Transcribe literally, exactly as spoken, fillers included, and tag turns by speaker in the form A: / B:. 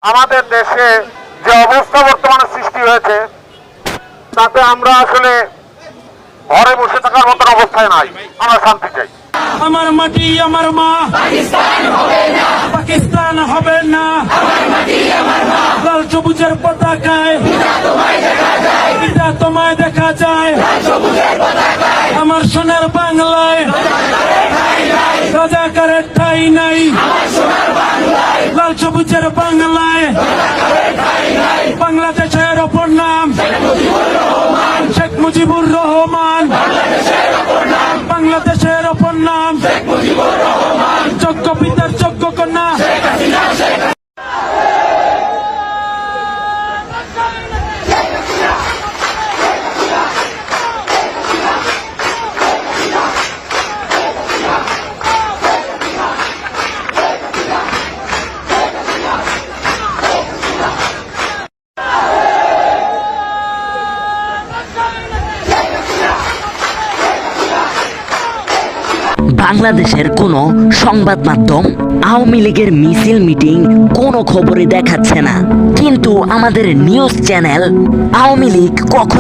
A: আমাদের দেশে যে অবস্থা বর্তমানে সৃষ্টি হয়েছে তাতে আমরা আসলে ঘরে বসে থাকার মতন অবস্থায় নাই। আমরা শান্তি চাই।
B: আমার মাটি আমার মা, পাকিস্তান হবে না, পাকিস্তান হবে না। আমার মাটি আমার মা, লাল সবুজের পতাকায় তোমায় দেখা যায়, পিতা তোমায় দেখা যায়। লাল সবুজের পতাকায় আমার সোনার বাংলায় রাজাকারের ঠাঁই নাই। আমার সোনার বাংলায় লাল সবুজের বাংলায় বাংলাদেশের অপর নাম শেখ মুজিবুর রহমান। বাংলাদেশের অপর নাম যোগ্য পিতার যোগ্য কন্যা।
C: বাংলাদেশের কোনো সংবাদ মাধ্যম আওয়ামী লীগের মিছিল মিটিং কোনো খবরে দেখাচ্ছে না, কিন্তু আমাদের নিউজ চ্যানেল আওয়ামী লীগ কখন